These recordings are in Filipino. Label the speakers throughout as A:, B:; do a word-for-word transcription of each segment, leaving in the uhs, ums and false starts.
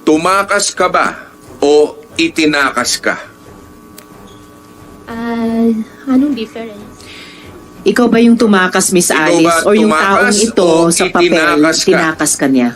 A: tumakas ka ba o itinakas ka?
B: Ah, anong difference?
C: Ikaw ba yung tumakas, Miss
A: Ikaw
C: Alice?
A: ba
C: Or yung
A: tumakas
C: taong ito
A: o
C: sa papel,
A: itinakas ka?
C: tinakas ka niya?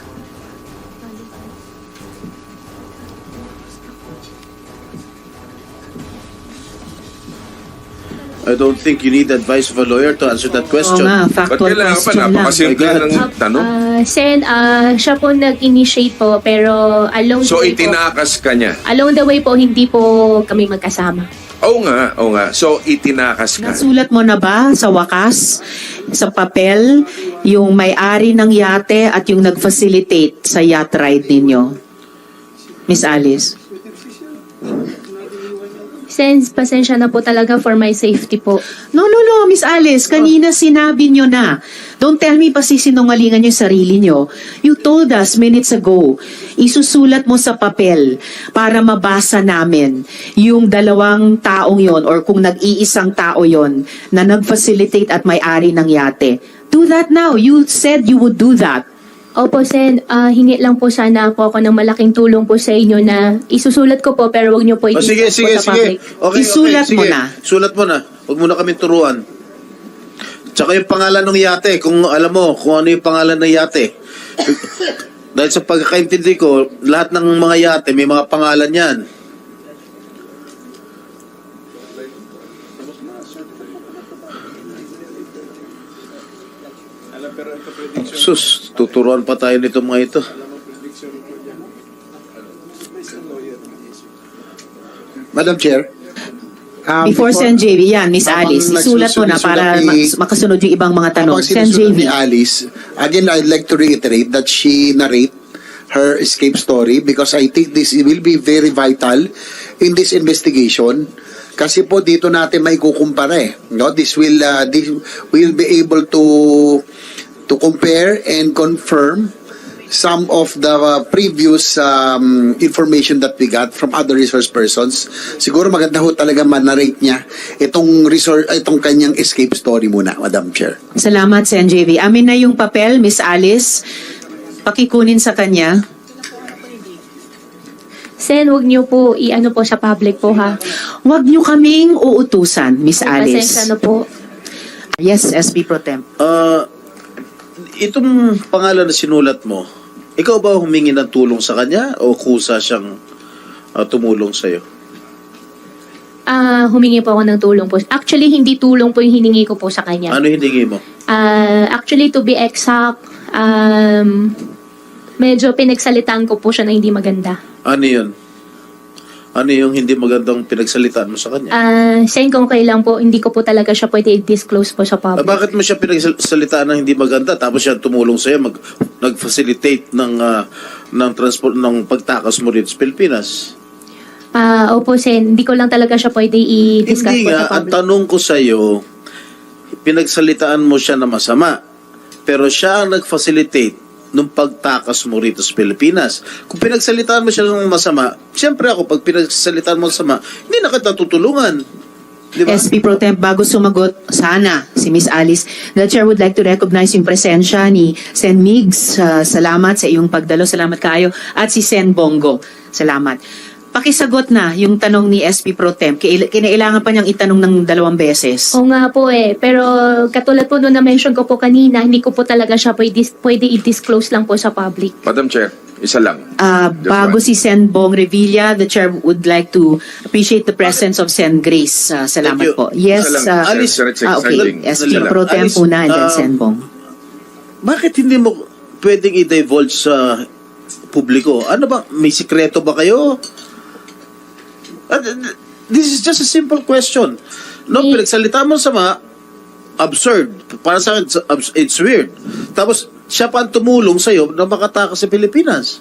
D: I don't think you need advice of a lawyer to answer that
C: Oo
D: question.
C: nga,
A: Ba't
C: factual
A: kailangan pa?
C: question lang.
A: Napakasimple
D: My God.
A: ng tanong.
B: Ah, Sen, ah, siya po nag-initiate po, pero along
A: So,
B: the way po,
A: itinakas ka niya.
B: along the way po, hindi po kami magkasama.
A: Oo nga, oo nga. So, itinakas ka.
C: Nasulat mo na ba sa wakas, sa papel, yung may-ari ng yate at yung nag-facilitate sa yacht ride ninyo? Miss Alice?
B: Sen, pasensya na po talaga for my safety po.
C: No, no, no, Miss Alice. Kanina sinabi nyo na. Don't tell me pa sisinungalingan yung sarili nyo. You told us minutes ago, isusulat mo sa papel para mabasa namin yung dalawang taong yon or kung nag-iisang tao yon na nag-facilitate at may-ari ng yate. Do that now. You said you would do that.
B: Opo, Sen, ah, hingi lang po sana po ako ng malaking tulong po sa inyo na isusulat ko po, pero wag niyo po
D: Oh, sige,
B: i-discuss
D: sige,
B: po sa
D: sige.
B: public.
D: Okay,
C: Isulat
D: okay,
C: mo
D: sige.
C: na.
D: Sulat mo na. Huwag mo na kami turuan. Tsaka yung pangalan ng yate, kung alam mo kung ano yung pangalan ng yate. Dahil sa pagkakaintindi ko, lahat ng mga yate may mga pangalan yan. Sus, tuturuan pa tayo nito mga ito.
E: Madam Chair. um,
C: Before Sen J V, yan, Miss
E: habang
C: Alice, isulat mo na para
E: nagsusulat ni-
C: mas- makasunod yung ibang mga tanong.
E: habang
C: Sen J
E: sinusunod
C: V.
E: ni Alice, again, I'd like to reiterate that she narrate her escape story because I think this will be very vital in this investigation. Kasi po dito natin may kukumpara eh. No? This will uh, this will be able to to compare and confirm some of the uh, previous um, information that we got from other resource persons. Siguro maganda ho talaga man-narrate niya itong resource, itong kanyang escape story muna, Madam Chair.
C: Salamat, Sen J V. Amin na yung papel, Miss Alice. Pakikunin sa kanya.
B: Sen, wag niyo po i-ano po sa public po, ha?
C: Huwag niyo kaming uutusan, Miss
B: Pasensya
C: Alice.
B: na po.
C: Yes, S P Pro Temp.
D: Ah, itong pangalan na sinulat mo, ikaw ba humingi ng tulong sa kanya o kusa siyang ah, tumulong sa'yo?
B: Ah, humingi po ako ng tulong po. Actually, hindi tulong po yung hiningi ko po sa kanya.
D: Ano hiningi mo?
B: Ah, actually, to be exact, um, medyo pinagsalitaan ko po siya na hindi maganda.
D: Ano yun? Ano yung hindi magandang pinagsalitaan mo sa kanya?
B: Ah, Sen, kung kailan po, hindi ko po talaga siya pwede i-disclose po sa
D: Ah,
B: public.
D: bakit mo siya pinagsalitaan ng hindi maganda tapos siya tumulong sa'yo, mag, nag-facilitate ng, ah, ng, transport, ng pagtakas mo rito sa Pilipinas?
B: Ah, opo, Sen, hindi ko lang talaga siya pwede i-discuss
D: Hindi
B: po
D: nga,
B: sa
D: ang
B: public.
D: tanong ko sa'yo, pinagsalitaan mo siya na masama, pero siya ang nag-facilitate nung pagtakas mo rito sa Pilipinas. Kung pinagsalitaan mo siya ng masama, siyempre ako, pag pinagsalitaan mo masama, hindi na kita tutulungan. Di ba?
C: S P Pro Temp, bago sumagot, sana, si Miss Alice, the Chair would like to recognize yung presensya ni Sen Migs. Uh, salamat sa iyong pagdalo. Salamat kayo. At si Sen Bongo. Salamat. Pakisagot na yung tanong ni S P Pro Temp. Kail- Kinailangan pa niyang itanong ng dalawang beses.
B: Oo nga po eh. Pero katulad po nung na-mention ko po kanina, hindi ko po talaga siya pwede, pwede i-disclose lang po sa public.
A: Madam Chair, isa lang.
C: Uh,
A: Just
C: bago
A: one.
C: si Sen Bong Revilla, the Chair would like to appreciate the presence of Sen Grace. Uh, salamat
D: Thank you.
C: po. Yes,
A: Isa lang,
C: uh,
D: Alice,
A: Senator
C: ah, okay.
A: Sanding.
C: S
D: Isa
C: P
D: lang.
C: Pro Temp
D: Alice,
C: una and then
D: um,
C: Sen Bong.
D: Bakit hindi mo pwedeng i-divulge sa publiko? Ano ba? May sikreto ba kayo? Uh, This is just a simple question. No,
B: May-
D: pinagsalita mo sama, absurd. Para sa akin, it's, abs- it's weird. Tapos, siya pa ang tumulong sa'yo na makatakas sa Pilipinas.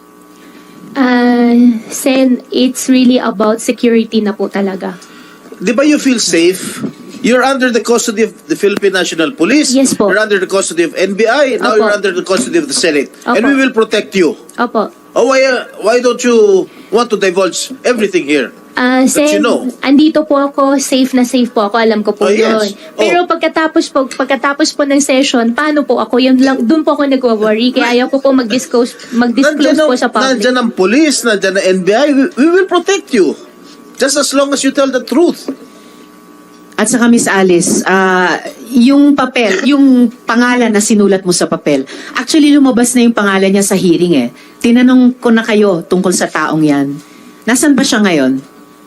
B: Ah, Sen, it's really about security na po talaga.
D: Di ba you feel safe? You're under the custody of the Philippine National Police.
B: Yes po.
D: You're under the custody of N B I. Now
B: Opo.
D: you're under the custody of the Senate. And
B: Opo.
D: we will protect you.
B: Opo.
D: Oh, why, uh, why don't you want to divulge everything here?
B: Ah,
D: But
B: Sen,
D: you know.
B: andito po ako, safe na safe po ako, alam ko po
D: Oh, yes.
B: yun. Pero
D: Oh.
B: pagkatapos po, pagkatapos po ng session, paano po ako? Yun lang, doon po ako nag-worry, kaya ayaw ko po mag-disclose, mag-disclose
D: Nandyan
B: po
D: ang-
B: sa public.
D: Nandyan ang police, nandyan ang N B I. We, we will protect you. Just as long as you tell the truth.
C: At saka Miss Alice, ah, yung papel, yung pangalan na sinulat mo sa papel, actually lumabas na yung pangalan niya sa hearing eh. Tinanong ko na kayo tungkol sa taong yan. Nasaan ba siya ngayon?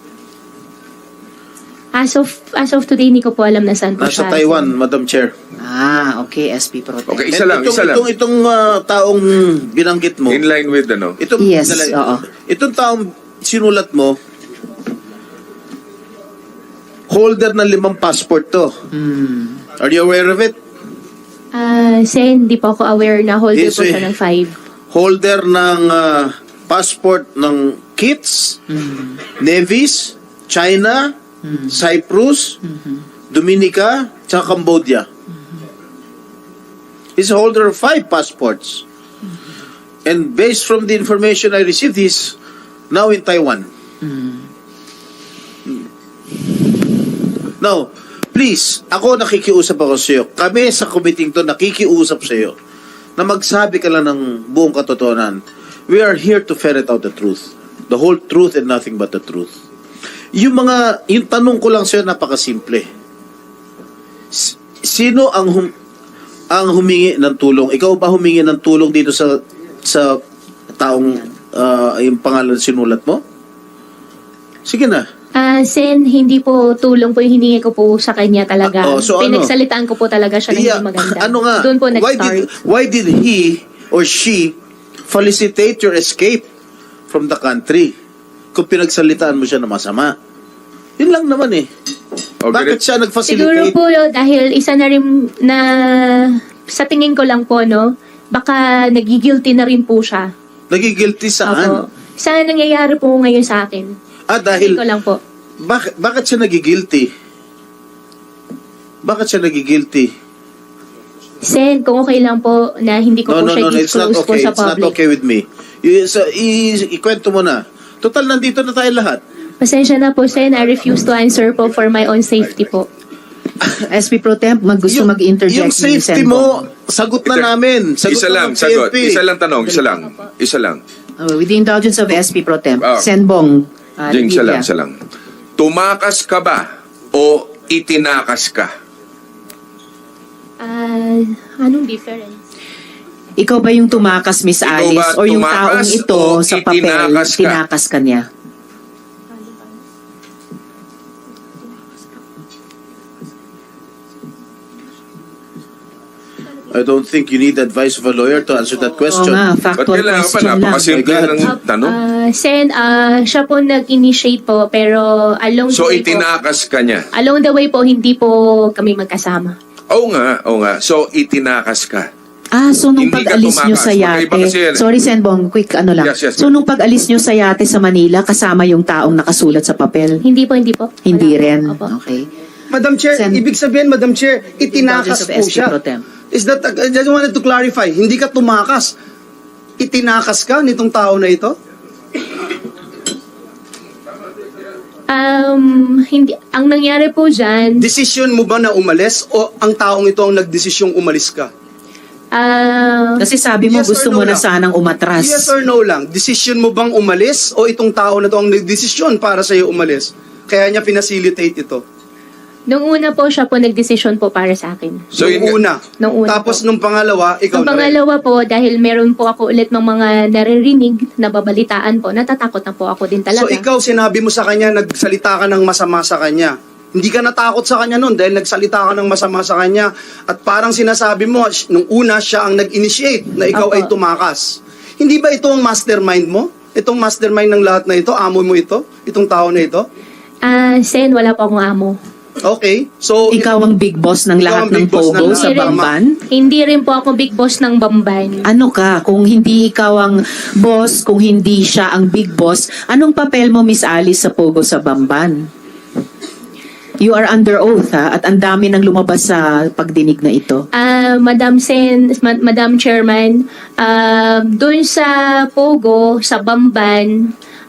B: As of, as of today, hindi ko po alam na saan po
D: Nasa
B: siya.
D: Taiwan, Madam Chair.
C: Ah, okay, S P Pro Tem.
A: Okay, isa
D: And
A: lang,
D: itong,
A: isa lang.
D: Itong, itong ah, taong binanggit mo,
A: In line with ano?
D: itong,
C: Yes,
D: dala-
C: oo.
D: itong taong sinulat mo, holder ng limang passport to.
C: Hmm.
D: Are you aware of it?
B: Ah, Sen, hindi po ako aware na holder
D: Yes,
B: po siya
D: eh.
B: ng five.
D: Holder ng ah, passport ng Kits, Nevis, China, Cyprus, Dominica, tsaka Cambodia. He's a holder of five passports. And based from the information I received, he's now in Taiwan. Now, please, ako nakikiusap ako sa iyo. Kami sa committee to nakikiusap sa iyo na magsabi ka lang ng buong katotohanan. We are here to ferret out the truth. The whole truth and nothing but the truth. Yung mga, yung tanong ko lang sa iyo, napakasimple. S- Sino ang hum, ang humingi ng tulong? Ikaw ba humingi ng tulong dito sa sa taong ah, yung pangalan sinulat mo? Sige na.
B: Ah, Sen, hindi po tulong po yung hiningi ko po sa kanya talaga.
D: Ah, oh, so ano?
B: Pinagsalitaan ko po talaga siya ng
D: Yeah,
B: hindi maganda.
D: ano nga?
B: Doon po
D: why
B: nag-start.
D: did why did he or she felicitate your escape from the country? Kung pinagsalitaan mo siya na masama. Yun lang naman eh.
A: Okay,
D: Bakit siya
B: Siguro
D: nag-facilitate?
B: po dahil isa na rin na sa tingin ko lang po, no, baka nagigilty na rin po siya.
D: Nagigilty saan?
B: Opo. Saan nangyayari po ngayon sa akin?
D: Ah,
B: Tingin
D: dahil,
B: ko lang po.
D: bakit, bakit siya nagigilty? Bakit siya nagigilty?
B: Sen, kung okay lang po na hindi ko
D: No,
B: po
D: no,
B: siya
D: no, no, it's not
B: disclose po
D: okay.
B: sa
D: It's not
B: public.
D: okay with me. I, sa, i, ikwento mo na. Total, nandito na tayo lahat.
B: Pasensya na po, Sen. I refuse to answer po for my own safety po.
C: S P Pro Tem, mag gusto
D: Yung-
C: mag-interject
D: Yung
C: ni
D: safety
C: Senbong.
D: mo, sagot na
A: Ito,
D: namin. Sagot
A: Isa
D: na
A: lang,
D: ng
A: sagot.
D: P N P.
A: Isa lang tanong, isa lang. Isa lang.
C: Uh, with the indulgence of S P Pro Tem,
A: Ah.
C: Senbong. uh,
A: Jing, isa
C: Lydia.
A: lang, isa lang. Tumakas ka ba o itinakas ka?
B: Ah, anong difference?
C: Ikaw ba yung tumakas, Miss
A: Ikaw
C: Alice?
A: ba
C: O yung
A: tumakas
C: taong ito
A: o
C: sa papel,
A: itinakas ka?
C: tinakas ka niya?
D: I don't think you need advice of a lawyer to answer that
C: Oo
D: question.
C: nga,
A: Ba't
C: factual
A: kailangan pa?
C: question lang.
A: Napakasimple
D: My God.
A: ng tanong.
B: Ah, Sen, ah, siya po nag-initiate po, pero along
A: So,
B: the way po,
A: itinakas ka niya.
B: along the way po, hindi po kami magkasama.
A: Oo nga, oo nga. So, itinakas ka.
C: Ah, so nung
A: Hindi ka
C: pag-alis nyo
A: tumakas.
C: sa
A: Magkaiba
C: yate,
A: kasi yan eh.
C: sorry Senbong, quick ano lang.
A: Yes, yes,
C: so
A: ma'am.
C: nung pag-alis nyo sa yate sa Manila, kasama yung taong nakasulat sa papel?
B: Hindi po, hindi po.
C: Hindi
B: Wala.
C: rin.
B: Opo.
C: Okay.
F: Madam Chair,
C: Sen-
F: ibig sabihin, Madam Chair, itinakas
C: Indulgence of
F: po
C: S P
F: siya.
C: Pro Tem.
F: Is that, I just wanted to clarify, hindi ka tumakas. Itinakas ka nitong tao na ito?
B: Um, hindi, ang nangyari po dyan,
F: Desisyon mo ba na umalis o ang taong ito ang nagdesisyong umalis ka?
B: ah,
C: Kasi sabi mo
F: Yes or
C: gusto
F: no
C: mo na
F: lang?
C: sanang umatras.
F: Yes or no lang? Desisyon mo bang umalis o itong tao na ito ang nagdesisyon para sa iyo umalis? Kaya niya pinacilitate ito.
B: nung una po siya po nagdesisyon po para sa akin.
A: So,
F: nung
A: yun nga-
F: una.
B: Nung una
F: Tapos
B: po.
F: nung pangalawa, ikaw
B: Ang
F: na rin.
B: pangalawa po, dahil meron po ako ulit ng mga naririnig, nababalitaan po, natatakot na po ako din talaga.
F: So ikaw sinabi mo sa kanya, nagsalita ka ng masama sa kanya. Hindi ka natakot sa kanya noon dahil nagsalita ka ng masama sa kanya at parang sinasabi mo, sh- nung una siya ang nag-initiate na ikaw
B: Opo.
F: ay tumakas. Hindi ba ito ang mastermind mo? Itong mastermind ng lahat na ito? Amo mo ito? Itong tao na ito?
B: Ah, Sen, wala po akong amo.
F: Okay. So,
C: Ikaw ang big boss ng
F: Ikaw
C: lahat
F: ang
C: ng
F: big boss ng
C: Pogo
F: lahat.
C: sa
B: Hindi rin-
C: Bamban?
B: Hindi rin po ako big boss ng Bamban.
C: Ano ka? Kung hindi ikaw ang boss, kung hindi siya ang big boss, anong papel mo, Miss Alice, sa Pogo sa Bamban? You are under oath, ha? At ang dami nang lumabas sa pagdinig na ito.
B: Ah, Madam Sen, Ma- Madam Chairman, ah, doon sa Pogo, sa Bamban,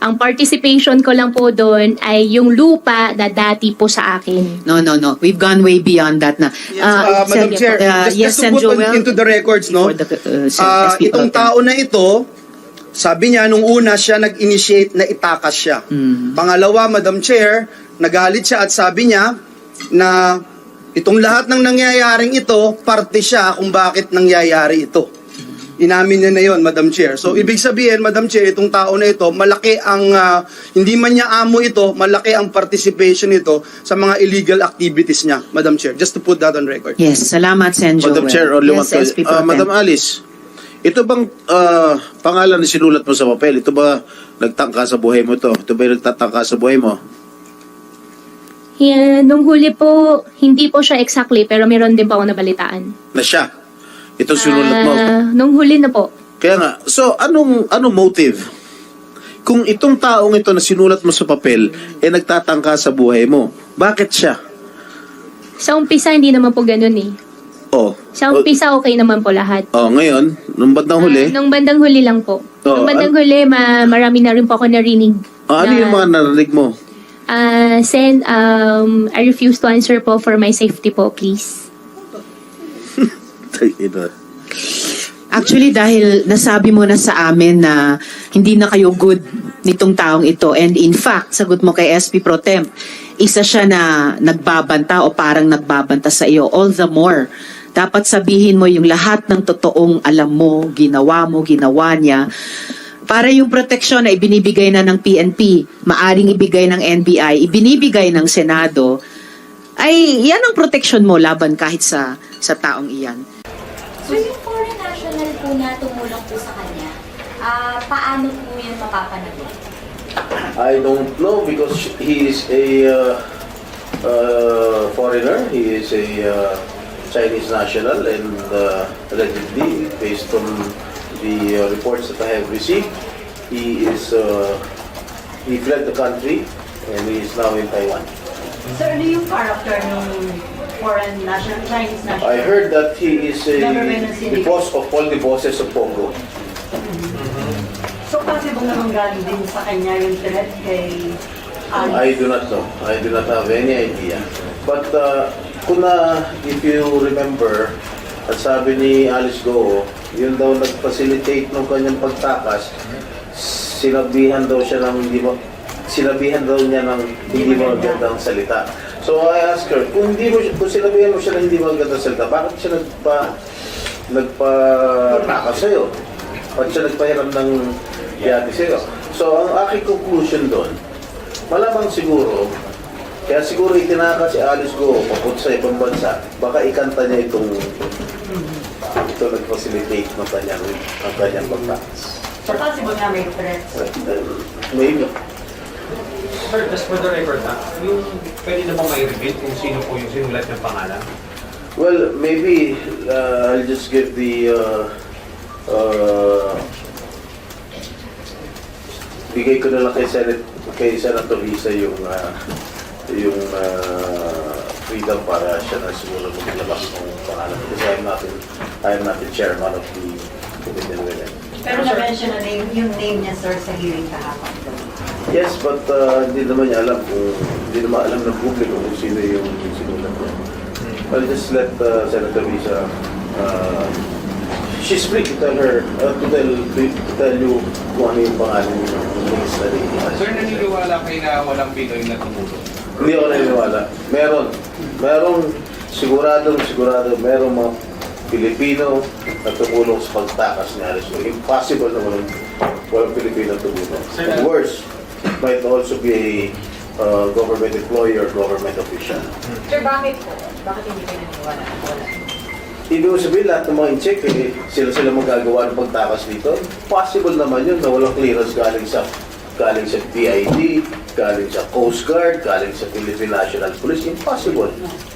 B: Ang participation ko lang po doon ay yung lupa na dati po sa akin.
C: No, no, no. We've gone way beyond that na.
F: Yes, uh, Madam
C: Sen-
F: Chair,
C: uh,
F: just,
C: yes,
F: just to
C: Sen
F: put on-
C: Joel,
F: into the records, no?
C: for the, uh, Sen-
F: Ah,
C: S P
F: itong
C: Pro Tem.
F: tao na ito, sabi niya, nung una siya nag-initiate na itakas siya.
C: Mm.
F: Pangalawa, Madam Chair, nagalit siya at sabi niya na itong lahat ng nangyayaring ito, parte siya kung bakit nangyayari ito. Inamin niya na yon, Madam Chair. So, ibig sabihin, Madam Chair, itong tao na ito, malaki ang, ah, hindi man niya amo ito, malaki ang participation nito sa mga illegal activities niya, Madam Chair. Just to put that on record.
C: Yes, salamat, Sen Joel.
D: Madam Chair, only one
C: yes, S P
D: question.
C: Pro
D: Ah,
C: Tem.
D: Madam Alice, ito bang ah, pangalan na sinulat mo sa papel? Ito ba nagtangka sa buhay mo to? Ito ba yung nagtatangka sa buhay mo?
B: Yeah, nung huli po, hindi po siya exactly, pero meron din po ako nabalitaan.
D: Na siya? Ito sinulat mo?
B: Ah, nung huli na po.
D: Kaya nga, so anong anong motive? Kung itong taong ito na sinulat mo sa papel, eh nagtatangka sa buhay mo, bakit siya?
B: Sa umpisa, hindi naman po ganun eh.
D: Oh.
B: Sa umpisa, okay naman po lahat.
D: Oh, ngayon, nung bandang huli,
B: Ah, nung bandang huli lang po.
D: Oo,
B: nung bandang huli, ma- marami na rin po ako narinig.
D: oh, ano
B: na,
D: yung mga narinig mo?
B: Ah, Sen, um, I refuse to answer po for my safety po, please.
D: Ay, ina.
C: Actually, dahil nasabi mo na sa amin na hindi na kayo good nitong taong ito. And in fact, sagot mo kay S P Pro Temp, isa siya na nagbabanta o parang nagbabanta sa iyo. All the more, dapat sabihin mo yung lahat ng totoong alam mo, ginawa mo, ginawa niya. Para yung proteksyon na ibinibigay na ng P N P, maaring ibigay ng N B I, ibinibigay ng Senado, ay yan ang proteksyon mo laban kahit sa sa taong iyan.
G: So yung foreign national po na tumulong po sa kanya, ah paano po yun mapapanagot?
D: I don't know because he is a uh, uh, foreigner. He is a uh, Chinese national and uh, allegedly, based on the uh, reports that I have received, he is uh, he fled the country and he is now in Taiwan.
H: Sir, ano yung character ng foreign national, Chinese national?
D: I heard that he is a
H: Never been a city.
D: the boss of all the bosses of Congo.
H: So, possible naman galing din sa kanya yung threat kay
D: I
H: Alice?
D: do not know. I do not have any idea. But uh, kung na, if you remember, at sabi ni Alice Goo, yun daw nag-facilitate ng kanyang pagtakas, sinabihan daw siya ng hindi mo, sinabihan daw niya ng hindi mo magandang salita. So I asked her, kung hindi mo, kung sinabihan mo siya ng hindi mo magandang salita, bakit siya nagpa, nagpa-takas sa'yo? Bakit siya nagpahiram ng yati sa'yo? So ang aking conclusion doon, malamang siguro, kaya siguro itinaka si Alice Goo papunta sa ibang bansa, baka ikanta niya itong ito nag-facilitate ng kanyang, ng kanyang pagtakas.
H: So, possible na may threat.
D: Maybe.
I: Sir, just for the record ha, yung pwede na ba may reveal kung sino po yung sinulat ng pangalan?
D: Well, maybe uh, I'll just give the uh, uh, bigay ko na lang kay Senate kay Senator Risa yung uh, yung uh, freedom para siya na siguro maglabas ng pangalan kasi I'm not in, I'm not the chairman of the Committee on Women.
H: Pero na-mention na name, yung name niya, sir, sa hearing kahapon.
D: Yes, but uh, hindi naman niya alam kung hindi naman alam ng publiko kung sino yung sinulat niya. I'll just let uh, Senator Risa uh, she's free to tell her uh, to tell to tell you kung ano yung pangalan ng study.
I: Sir, naniniwala kayo na walang Pinoy na tumulong?
D: Hindi ako naniniwala. Meron. Merong sigurado, sigurado, merong mga Pilipino na tumulong sa pagtakas ni Alice Goo. Impossible na walang, walang Pilipino tumulong. And worse, might also be a uh, government employee or government official.
H: Sir, bakit po? Bakit hindi kayo naniniwala? Wala.
D: Ibig ko sabihin, lahat ng mga in-check, eh, sila-sila magagawa ng pagtakas dito. Possible naman yun na walang clearance galing sa galing sa P I D, galing sa Coast Guard, galing sa Philippine National Police. Impossible.